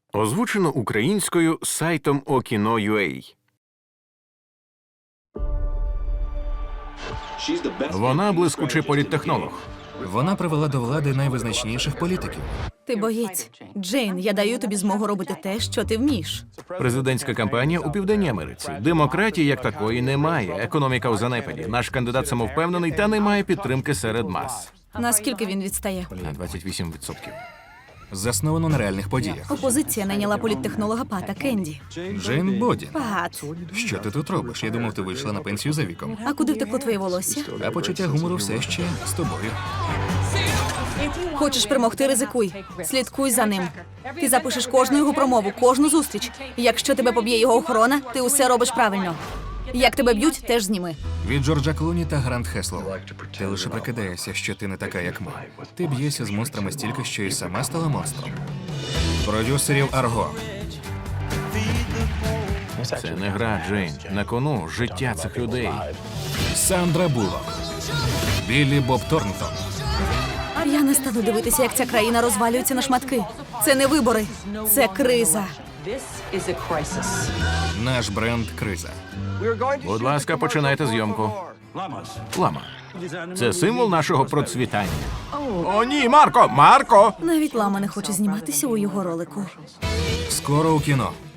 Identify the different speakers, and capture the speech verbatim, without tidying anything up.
Speaker 1: Озвучено українською сайтом Okino.ua. Вона блискучий політтехнолог.
Speaker 2: Вона привела до влади найвизначніших політиків.
Speaker 3: Ти боєць. Джейн, я даю тобі змогу робити те, що ти вмієш.
Speaker 1: Президентська кампанія у Південній Америці. Демократії як такої немає. Економіка у занепаді. Наш кандидат самовпевнений та не має підтримки серед мас.
Speaker 3: Наскільки він відстає?
Speaker 1: На двадцять вісім відсотків.
Speaker 2: Засновано на реальних подіях.
Speaker 3: Опозиція найняла політтехнолога Пата Кенді.
Speaker 2: Джейн Боді.
Speaker 3: Пат,
Speaker 2: Що ти тут робиш? Я думав, ти вийшла на пенсію за віком.
Speaker 3: а куди втекло твоє волосся?
Speaker 2: А почуття гумору все ще з тобою.
Speaker 3: Хочеш перемогти, ризикуй. Слідкуй за ним. Ти запишеш кожну його промову, кожну зустріч. Якщо тебе поб'є його охорона, ти усе робиш правильно. Як тебе б'ють, теж зніми.
Speaker 2: Від Джорджа Клуні та Грант Хеслоу. Ти лише прикидаєшся, що ти не така, як ми. Ти б'єшся з монстрами стільки, що і сама стала монстром. Продюсерів Арго.
Speaker 1: Це не гра, Джейн. На кону життя цих людей.
Speaker 2: Сандра Буллок. Біллі Боб Торнтон.
Speaker 3: Я не стану дивитися, як ця країна розвалюється на шматки. Це не вибори, це криза.
Speaker 4: This is a crisis.
Speaker 2: Наш бренд Криза.
Speaker 1: Будь ласка, починайте зйомку. Лама. Це символ нашого процвітання. О, ні, Марко! Марко!
Speaker 3: Навіть лама не хоче зніматися у його ролику.
Speaker 2: Скоро у кіно.